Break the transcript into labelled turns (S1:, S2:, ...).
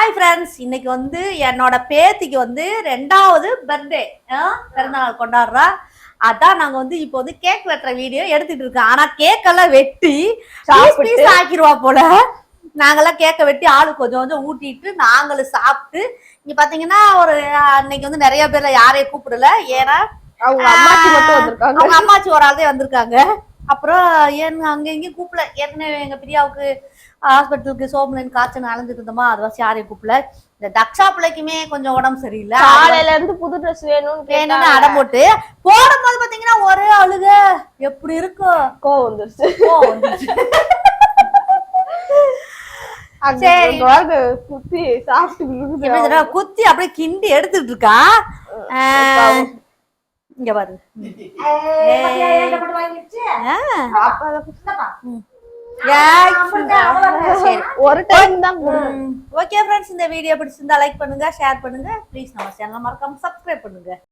S1: Hi friends, இன்னைக்கு வந்து என்னோட பேத்திக்கு வந்து 2வது பர்த்டே பிறந்தநாள் கொண்டாடுறா. அதான் நாங்க வந்து இப்போ வந்து கேக் வெட்டுற வீடியோ எடுத்துட்டு இருக்கோம். ஆனா கேக் எல்லாம் வெட்டி பீஸ் ஆக்கிடுவா போல. நாங்கெல்லாம் கேக்க வெட்டி ஆளு கொஞ்சம் கொஞ்சம் ஊட்டிட்டு நாங்களும் சாப்பிட்டு இங்க பாத்தீங்கன்னா அன்னைக்கு வந்து நிறைய பேர்ல யாரையும் கூப்பிடல. ஏன்னா
S2: அவங்க
S1: அம்மாச்சி ஒரு ஆள் தான் வந்திருக்காங்க. அப்புறம் அங்க இங்கேயும் கூப்பிடல. ஏற்கனவே எங்க பிரியாவுக்கு ஹாஸ்பிட்டலுக்கு சோமலின் காய்ச்சல் அலைஞ்சிட்டு இருந்தோமா, அது வச்சு யாரையும் கூப்பிடல. இந்த தக்ஷா பிள்ளைக்குமே கொஞ்சம் உடம்பு சரியில்லை.
S2: காலையில இருந்து புது ட்ரெஸ் வேணும்னு
S1: அடம் போட்டு போடும்போது பாத்தீங்கன்னா ஒரே அழுக. எப்படி இருக்கும்,
S2: கோவம் வந்துருச்சு. குத்தி சாப்பிட்டு
S1: குத்தி அப்படியே கிண்டி எடுத்துட்டு இருக்கா. இங்க பாரு,
S2: ஒரு டைம் தான்.
S1: ஓகே ஃப்ரெண்ட்ஸ், இந்த வீடியோ பிடிச்சிருந்தா லைக் பண்ணுங்க, ஷேர் பண்ணுங்க. ப்ளீஸ் நம்ம சேனலை மறக்காம சப்ஸ்கிரைப் பண்ணுங்க.